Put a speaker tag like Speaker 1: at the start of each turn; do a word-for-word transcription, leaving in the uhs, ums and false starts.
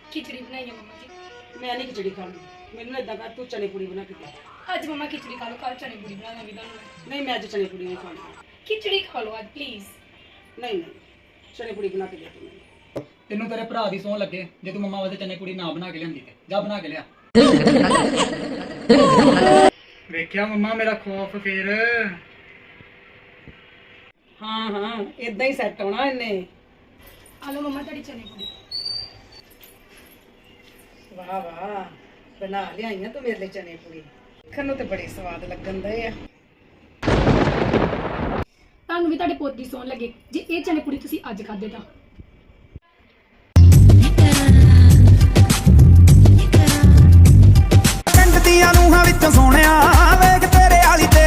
Speaker 1: खिचड़ी बनाई है मम्मा जी।
Speaker 2: मैं नहीं खिचड़ी खानी, मैनू इदा कर तू चने पूड़ी बना के दे।
Speaker 1: आज मम्मा खिचड़ी खा लो, कल चने पूड़ी बना दूंगी तुहानू।
Speaker 2: नहीं मैं अज चने पूड़ी नहीं खानी।
Speaker 1: खिचड़ी खा लो आज प्लीज।
Speaker 2: नहीं नहीं चने पूड़ी बना के दे तू मैनू।
Speaker 3: तेनू तेरे भरा दी सौं लगे जे तू मम्मा वास्ते चने कुड़ी ना बना के लियांदी ते जा बना के लिया। वेख्या मम्मा मेरा खौफ फिर।
Speaker 2: हाँ हाँ इदा ही सैट होना इन्ने।
Speaker 1: आ लो मम्मा तेरी चने पूड़ी।
Speaker 2: वाह वाह बना लिया तू मेरे लिए चने पूड़ी, देखण नूं ते बड़े स्वाद लगन दे आ।
Speaker 1: ਤੁਹਾਨੂੰ ਵੀ ਤੁਹਾਡੇ ਪੁੱਤ ਦੀ ਸੌਣ ਲੱਗੇ ਜੇ ਇਹ ਚਨੇ ਪੂੜੀ ਤੁਸੀਂ ਅੱਜ ਖਾਦੇ ਤਾਂ।
Speaker 4: ਪਿੰਡ ਦੀਆਂ ਨੂੰਹਾਂ ਵਿੱਚੋਂ ਸੋਹਣਿਆ ਵੇਖ ਤੇਰੇ ਵਾਲੀ